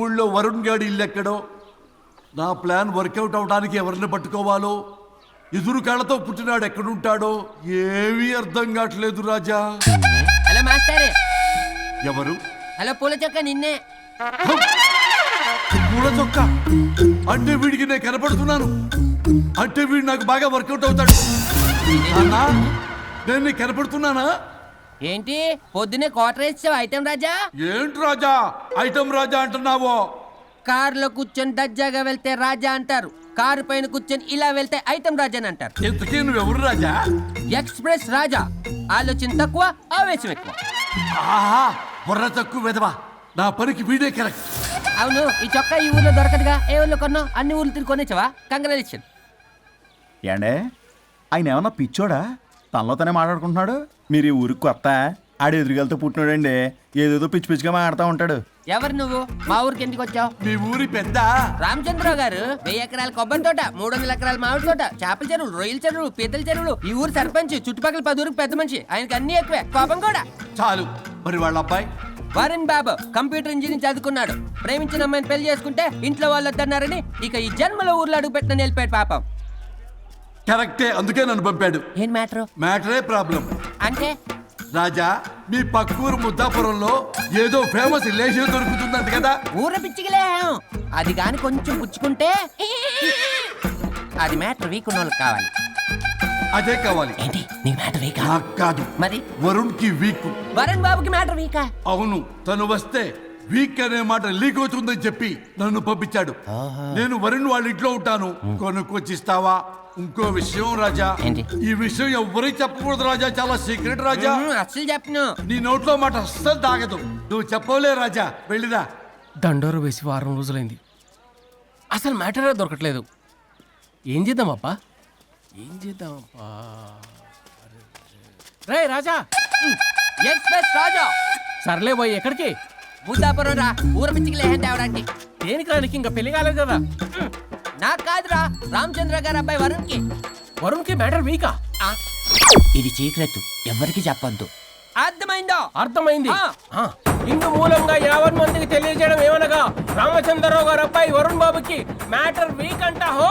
ఊళ్ళో వరుణ్ గాడి ఇల్లు ఎక్కడో, నా ప్లాన్ వర్కౌట్ అవడానికి ఎవరిని పట్టుకోవాలో, ఎదురు కాళ్ళతో పుట్టినాడు ఎక్కడుంటాడో ఏమీ అర్థం కావట్లేదు రాజా. Hello master. ఎవరు? హలో పూల చొక్క నిన్నే. పూల చొక్క అంటే వీడికి నేను కనపడుతున్నాను, అంటే వీడు నాకు బాగా వర్కౌట్ అవుతాడు. అన్నా నేను నీకు కనపడుతున్నానా? ఏంటి పొద్దునే క్వార్టర్ వేసావు ఐటమ్ రాజా? ఏంటి రాజా ఐటమ్ రాజా అంటున్నావో? కారులో కూర్చొని దజ్జాగా వెళ్తే రాజా అంటారు, కారు పైన కూర్చొని ఇలా వెళ్తే ఐటమ్ రాజా అని అంటారు. ఇంతకీ నువ్వెవరు రాజా? ఎక్స్ప్రెస్ రాజా. ఆలోచన తక్కువ, ఆవేశం ఎక్కువ. ఆహా, బుర్ర తక్కువ వెదవా. నా పనికి వీడే కరెక్ట్. అవును, ఈ చొక్కా ఈ ఊర్లో దొరకదుగా, ఏ ఊర్లో కొన్నావు? అన్ని ఊర్లు తిరిగి కొనేచ్చావా? కంగ్రాచులేషన్. ఏండే ఆయన ఏమన్నా పిచ్చోడా? తనలో తనే మాట్లాడుకుంటున్నాడు. మీరు ఈ ఊరికి కొత్త, ఆడు ఎదురుగలతో పుట్టినాడండి, ఏదేదో పిచ్చి పిచ్చిగా మాట్లాడుతూ ఉంటాడు. ఎవరు నువ్వు? మా ఊరికి ఎందుకు వచ్చావు? మీ ఊరి పెద్ద రామచంద్రరావు గారు 1000 ఎకరాల కొబ్బరి తోట, 300 ఎకరాల మామిడి తోట, చేపల చెరువులు, రొయ్యల చెరువులు, పీతల చెరువులు, ఈ ఊరు సర్పంచ్, చుట్టుపక్కల 10 ఊరికి పెద్ద మనిషి. ఆయనకి అన్ని ఎక్కువే, కోపం కూడా. చాలు. మరి వాళ్ళ అబ్బాయి వరుణ్ బాబు కంప్యూటర్ ఇంజనీరింగ్ చదువుకున్నాడు. ప్రేమించిన అమ్మాయిని పెళ్లి చేసుకుంటే ఇంట్లో వాళ్ళు వద్దన్నారని ఇక ఈ జన్మలో ఊర్లో అడుగు పెట్టిన నిలిపాడు పాపం. కరెక్టే, అందుకే నన్ను పంపాడు. ఏం మ్యాటర్? మ్యాటరే ప్రాబ్లం. అంటే రాజా, మీ పక్కూరు ముద్దాపురంలో ఏదో ఫేమస్ రిలేషన్ దొరుకుతుందంట కదా? ఊర పిచ్చికిలే, అది గాని కొంచెం పుచ్చుకుంటే అది మ్యాటర్ వీక్ ఉన్న వాళ్ళకి కావాలి. అదే కావాలి. ఏంటి నీ మ్యాటర్ వీకా? నాకు కాదు, మరి వరుణ్ కి వీక్. వరుణ్ బాబుకి మ్యాటర్ వీకా? అవును, తను వస్తే వీక్ అనే మాట లీక్ అవుతుందని చెప్పి నన్ను పంపించాడు. నేను వరుణ్ వాళ్ళ ఇంట్లో ఉంటాను, కొనుక్కొచ్చిస్తావా? ఇంకో విషయం రాజా, ఏంటి? ఈ విషయం ఎవరికి చెప్పకూడదు రాజా, చాలా సీక్రెట్ రాజా. అస్సలు చెప్పను. నీ నోట్లో మాట అస్సలు తాగదు. నువ్వు చెప్పవలే రాజా, వెళ్ళిరా. దండోరు వేసి వారం రోజులైంది, అసలు మ్యాటరే దొరకట్లేదు. ఏం చేద్దామప్పా? రే రాజా. ఎక్స్ప్రెస్ రాజా. సర్లే పోయి ఎక్కడికి? ముద్దాపురం రా, ఊర పిచ్చికిలే తేవడానికి. దేనికి రానికి? ఇంకా పెళ్లి కాలేదు కదా. నాకు కాదురా, రామచంద్ర గారు అబ్బాయి వరుణ్ కి. వరుణ్కి మ్యాటర్ వీకా? ఇది సీక్రెట్, ఎవరికి చెప్పొద్దు. అర్థమైందో? అర్థమైంది. ఇందు మూలంగా 50 మందికి తెలియజేయడం ఏమనగా, రామచంద్రరావు గారు అబ్బాయి వరుణ్ బాబుకి మ్యాటర్ వీక్ అంట. హో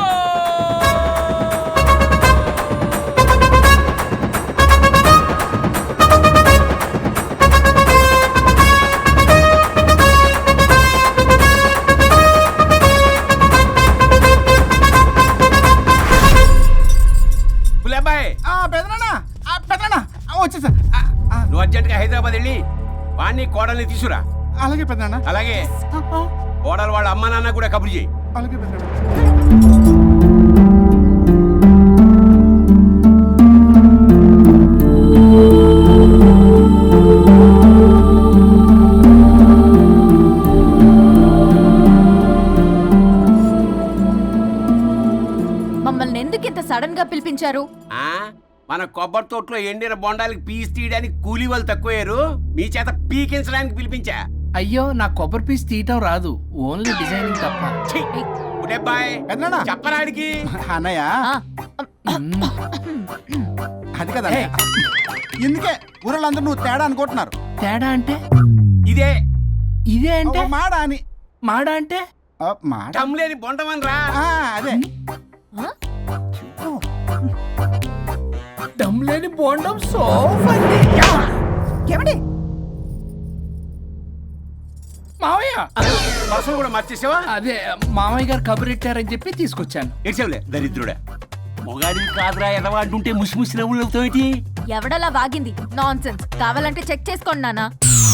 వచ్చేసా. నువ్వు అర్జెంట్గా హైదరాబాద్ వెళ్ళి వాణ్ణి కోడల్ని తీసుకురా. అలాగే పెద్దనా. అలాగే కోడలు వాళ్ళ అమ్మ నాన్న కూడా కబురు చేయి. అలాగే పెద్దనా. మమ్మల్ని ఎందుకు ఇంత సడన్ గా పిలిపించారు? మన కొబ్బరి తోటలో ఎండిన బొండాలకి పీస్ తీయడానికి కూలీ వాళ్ళు తక్కువయ్యారు, మీ చేత పీకించడానికి పిలిపించా. అయ్యో, నా కొబ్బరి పీస్ తీయటం రాదు, ఓన్లీ డిజైనింగ్ తప్ప. చెప్పరాడికి. అన్నయ్య అది కదా, ఎందుకే ఊరలందరూ నువ్వు తేడా అనుకుంటున్నారు. తేడా అంటే? ఇదే ఇదే అంటే మాడ అని. మాడ అంటే టమ్లేని బొండమని రా. అదే దమ్లేని బోండం. సోఫండి మావయ్య, బస్సు కూడా మార్చేసావా? అదే మామయ్య గారు కబురెట్టారని చెప్పి తీసుకొచ్చాను. ఏడ్చావులే దరిద్రుడా. మొగాడి కాదురా ఎదవా అంటుంటే ముసిముసి నవ్వులతో ఎవడలా వాగింది? నాన్సెన్స్. కావాలంటే చెక్ చేసుకోండి నాన్న.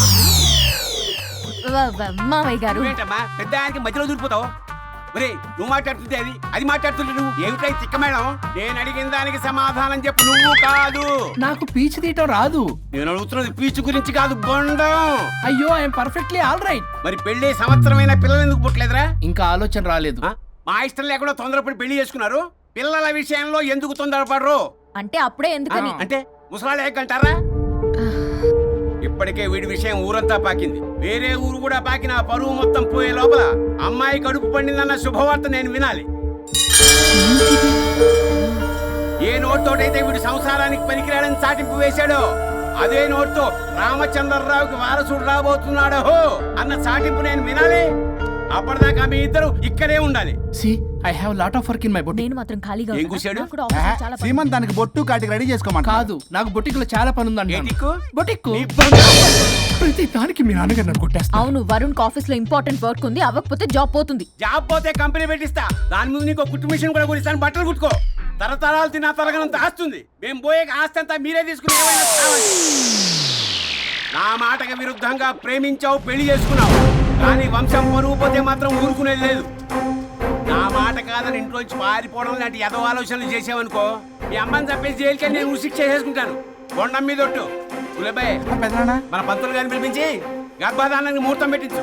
మామయ్య గారు ఏంటమ్మా పెద్ద ఆయనకి మధ్యలో దూరిపోతావు? ఒరే, నువ్వు మాట్లాడుతుంటే అది మాట్లాడుతుంటే నువ్వు ఏమిటై చిక్క మేడం? నేను అడిగిన దానికి సమాధానం చెప్పు. నువ్వు కాదు. నాకు పీచు తీయటం రాదు. నేను అడుగుతున్నది పీచు గురించి కాదు, బొండం. అయ్యో, ఐఎమ్ పర్ఫెక్ట్లీ ఆల్ రైట్. మరి పెళ్లి సంవత్సరమైన పిల్లలు ఎందుకు పుట్టలేదురా? ఇంకా ఆలోచన రాలేదు. మా ఇష్టం లేకుండా తొందరపడి పెళ్లి చేసుకున్నారు. పిల్లల విషయంలో ఎందుకు తొందరపడరు? అంటే అప్పుడే ఎందుకని? అంటే ముసలాళ్ళు ఏకంటారా? ఇప్పటికే వీడి విషయం ఊరంతా పాకింది, వేరే ఊరు కూడా పాకిన పరువు మొత్తం పోయే లోపల అమ్మాయి కడుపు పండిందన్న శుభవార్త నేను వినాలి. ఏ నోట్తోటైతే వీడు సంసారానికి పనికిరాడని చాటింపు వేశాడో, అదే నోట్తో రామచంద్రరావుకి వారసుడు రాబోతున్నాడో అన్న చాటింపు నేను వినాలి. అప్పటిదాకా మీ ఇద్దరు ఇక్కడే ఉండాలి. See I have lot of work in my boutique. నేను మాత్రం ఖాళీగా ఏం ఉన్నా. కూశాడు? నాకు కూడా ఆఫీస్లో చాలా పని. సీమంత్ దానికి బొట్టు కాటికి రెడీ చేసుకోమంట. కాదు, నాకు బొటిక్ లో చాలా పని ఉందండి. ఏ టిక్కు? బొటిక్ నీ ప్రతి దానికి మీ నాన్నగారు నన్ను కొట్టేస్తా. అవును, వరుణ్ ఆఫీస్ లో ఇంపార్టెంట్ వర్క్ ఉంది, అవ్వకపోతే జాబ్ పోతుంది. జాబ్ పోతే కంపెనీ పెట్టిస్తా. దాని ముందు నీకు కుట్టు మిషన్ కూడా కురిస్తాను. బట్టలు కుట్టుకో. తరతరాలు తిన్నా తరగనంత ఆస్తుంది. మేము పోయే ఆస్తి అంతా మీరే తీసుకుని ఏమైనా కావాలి. నా మాటకి విరుద్ధంగా ప్రేమించావు, పెళ్లి చేసుకున్నావు, కానీ వంశం పరువు పోతే మాత్రం ఊరుకునేది లేదు. నా మాట కాదని ఇంట్లోంచి పారిపోవడం లాంటి ఎదవ ఆలోచనలు చేసావనుకో, మీ అమ్మని చంపేసి జైలుకి నేను శిక్ష చేసుకుంటాను. కొండం మీద ఒట్టు. గులబాయ్, మన పంతులు గారిని పిలిపించి గర్భధానానికి ముహూర్తం పెట్టించు.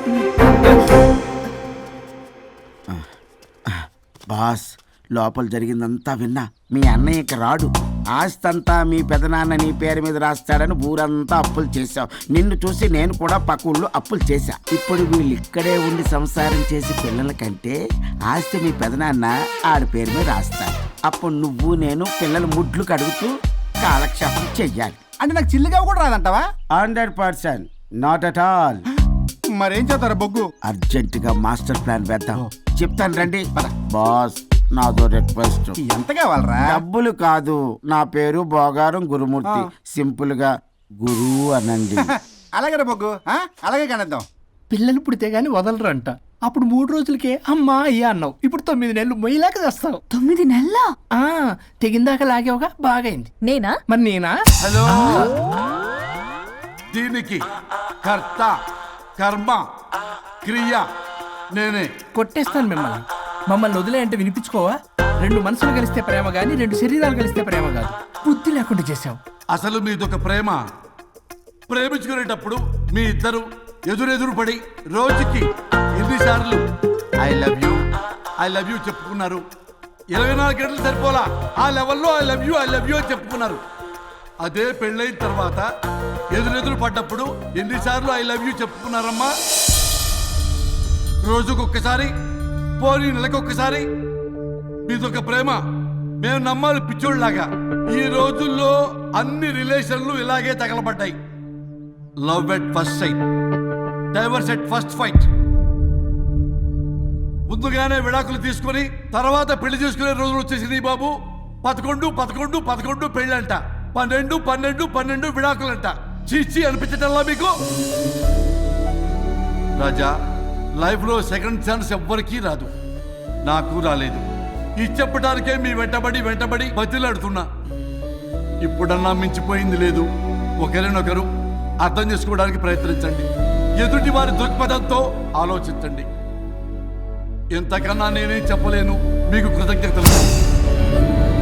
బాస్, లోపల జరిగిందంతా విన్నా. మీ అన్నయ్యకి రాడు, ఆస్తంతా మీ పెదనాన్న నీ పేరు మీద రాస్తాడని ఊరంతా అప్పులు చేశావు. నిన్ను చూసి నేను కూడా పక్క ఊళ్ళో అప్పులు చేశా. ఇప్పుడు వీళ్ళు ఇక్కడే ఉండి సంసారం చేసి పిల్లల కంటే ఆస్తి మీ పెదనాన్న ఆడి పేరు మీద రాస్తాడు. అప్పుడు నువ్వు నేను పిల్లల ముడ్లు కడుగుతూ కాలక్షేపం చెయ్యాలి. అంటే నాకు చిల్లిగా కూడా రాదంటావా? 100%, నాట్ అట్ ఆల్. మరేం చేస్తారా బొగ్గు? అర్జెంటుగా మాస్టర్ ప్లాన్ వేద్దాం. చెప్తాను రండి. బాస్, నాదో రిక్వెస్ట్. ఎంత కావాలరా? డబ్బులు కాదు, నా పేరు బోగారం గురుమూర్తి. సింపుల్ గా గురు అనండి. అలాగే రా బొగ్గు, అలాగే కనేద్దాం. పిల్లలు పుడితే గానీ వదలరు అంట. అప్పుడు 3 రోజులకే అమ్మా అయ్యా అన్నావు. ఇప్పుడు 9 నెలలు మొయ్యలాగా చేస్తావు. 9 నెలల తెగిందాక లాగేవగా బాగైంది. నేనా? మరి నేనా? హలో, దీనికి కర్త కర్మ క్రియ నేనే. కొట్టేస్తాను మిమ్మల్ని. మమ్మల్ని వదిలే అంటే వినిపించుకోవా? 2 మనసులు కలిస్తే ప్రేమ గాని 2 శరీరాలు కలిస్తే ప్రేమ కాదు. బుద్ధి లేకుండా చేసావు. అసలు మీదొక ప్రేమ. ప్రేమించుకునేటప్పుడు మీ ఇద్దరు ఎదురెదురు పడి రోజుకి ఎన్నిసార్లు ఐ లవ్ యూ చెప్పుకున్నారు? 24 గంటలు సరిపోలా. ఆ లెవెల్లో ఐ లవ్ యూ అని చెప్పుకున్నారు. అదే పెళ్ళైన తర్వాత ఎదురెదురు పడ్డప్పుడు ఎన్నిసార్లు ఐ లవ్ యూ చెప్పుకున్నారమ్మా? రోజుకొక్కసారి, పోనీ నెలకొక్కసారి. మీదొక ప్రేమ. మేము నమ్మాలి పిచ్చోళ్ళలాగా. ఈ రోజుల్లో అన్ని రిలేషన్లు ఇలాగే తగలబడ్డాయి. Love at first sight, divorce at first fight. ముందుగానే విడాకులు తీసుకొని తర్వాత పెళ్లి చేసుకునే రోజులు వచ్చేసింది బాబు. 11 పెళ్ళంట, 12 విడాకులంట. చీచి అనిపించటల్లా మీకు? రాజా, లైఫ్లో సెకండ్ ఛాన్స్ ఎవ్వరికీ రాదు. నాకు రాలేదు. ఈ చెప్పడానికే మీ వెంటబడి బతిలాడుతున్నా. ఇప్పుడన్నా మించిపోయింది లేదు. ఒకరినొకరు అర్థం చేసుకోవడానికి ప్రయత్నించండి. ఎదుటి వారి దృక్పథంతో ఆలోచించండి. ఎంతకన్నా నేనేం చెప్పలేను. మీకు కృతజ్ఞతలు.